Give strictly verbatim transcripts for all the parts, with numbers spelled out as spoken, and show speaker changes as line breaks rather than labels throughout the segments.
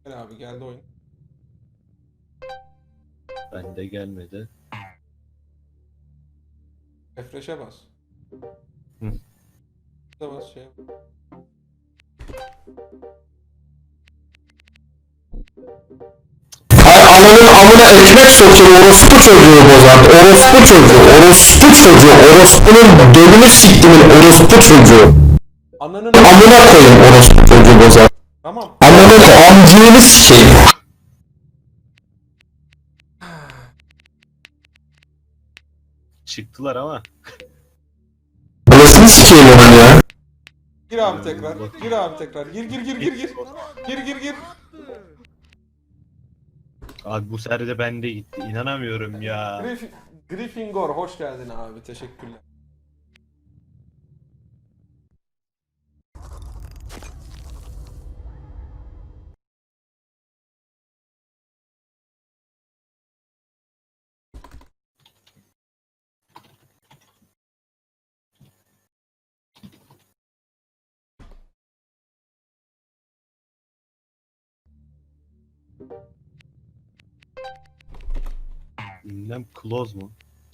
Gel abi geldi oyun.
Bende gelmedi.
Refresh'e bas.
Hı.
Da bas şey.
Ay ananın amına ekmek sokuyor orospu çocuğu bozar. Orospu çocuğu, orospu çocuğu, orospunun dölünü siktimin orospu çocuğu.
Ananın
Amına koyayım orospu çocuğu bozar.
Tamam.
Ananın amcığını sikeyim.
Çıktılar ama.
Anasını sikeyim onun ya.
Gir abi tekrar. Gir abi tekrar. Gir gir gir gir gir. Gir gir gir.
Abi bu sefer de bende gitti. İnanamıyorum ya.
Griff Gryffindor hoş geldin abi. Teşekkürler.
Ünlem close mu?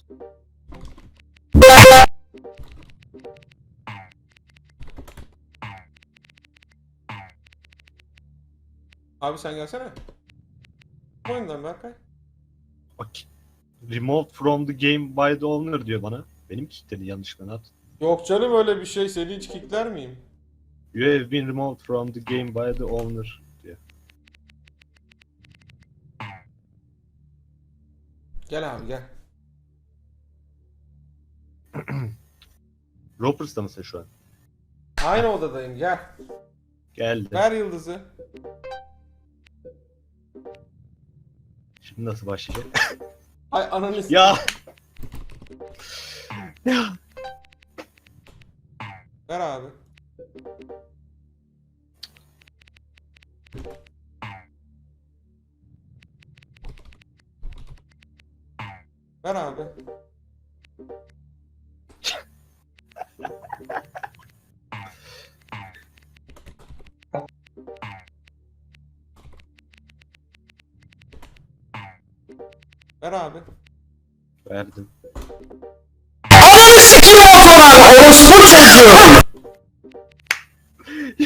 Abi sen gelsene. Oyundan Berkay.
Bak. Remove from the game by the owner diyor bana. Benim kilitledi yanlışlıkla at.
Yok canım öyle bir şey. Seni hiç kickler miyim?
You have been removed from the game by the owner diyor.
Gel abi gel.
Ropers'ta mısın şu an?
Aynı odadayım gel.
Geldi.
Ver yıldızı.
Şimdi nasıl başlayacak?
Ay ananı s-
ya. Ya.
Ver abi. Ver abi. Ver abi.
Verdim.
Ananı sikeyim ortadan orospu çocuğu.
Ya.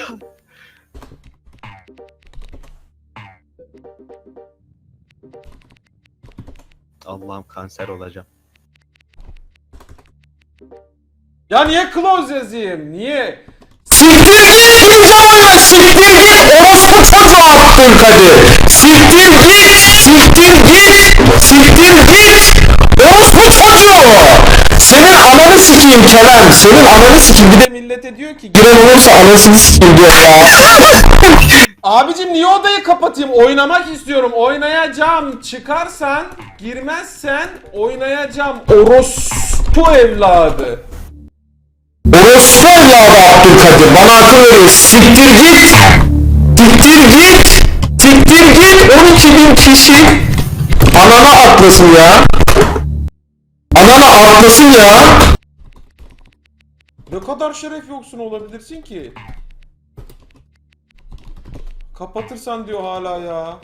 Allah'ım kanser olacağım.
Ya niye close yazayım? Niye?
Siktir git gireceğim oyuna siktir git orospu çocuğu Abdülkadir. Siktir git siktir git siktir git orospu çocuğu. Senin ananı sikeyim Kerem senin ananı sikeyim bir
Bir
de
de millete diyor ki
giren olursa anasını sikeyim diyor ya.
abicim niye odayı kapatayım? Oynamak istiyorum. Oynayacağım. Çıkarsan, girmezsen oynayacağım. Orospu evladı.
Orospu evladı Abdülkadir bana akıl veriyor siktir git. Siktir git. Siktir git on iki bin kişi anana atlasın ya. Anana atlasın ya.
Ne kadar şeref yoksun olabilirsin ki? Kapatırsan diyor hala ya.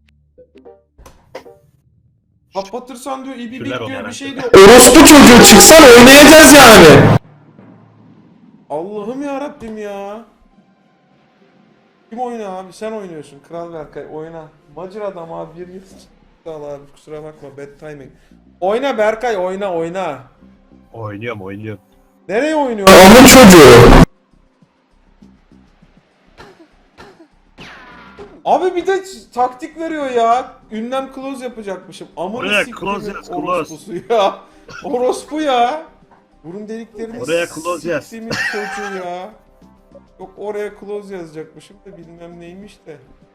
Kapatırsan diyor ibibik
Küller
diyor bir
olarak.
şey diyor.
Orospu çocuğu çıksan oynayacağız yani.
Allah'ım ya Rabbim ya. Kim oynuyor abi? Sen oynuyorsun. Kral Berkay oyna. Macir adam abi bir yıl. Sağ ol abi kusura bakma bad timing. Oyna Berkay oyna oyna.
Oynuyorum oynuyorum.
Nereye oynuyor?
Amın çocuğu.
Abi bir de taktik veriyor ya. Ünlem close yapacakmışım. Amına
Oraya
siktimin
close yaz, close.
orospusu ya. Orospu ya. Burun deliklerini
Oraya close yaz.
siktimin çocuğu ya. Yok oraya close yazacakmışım da bilmem neymiş de.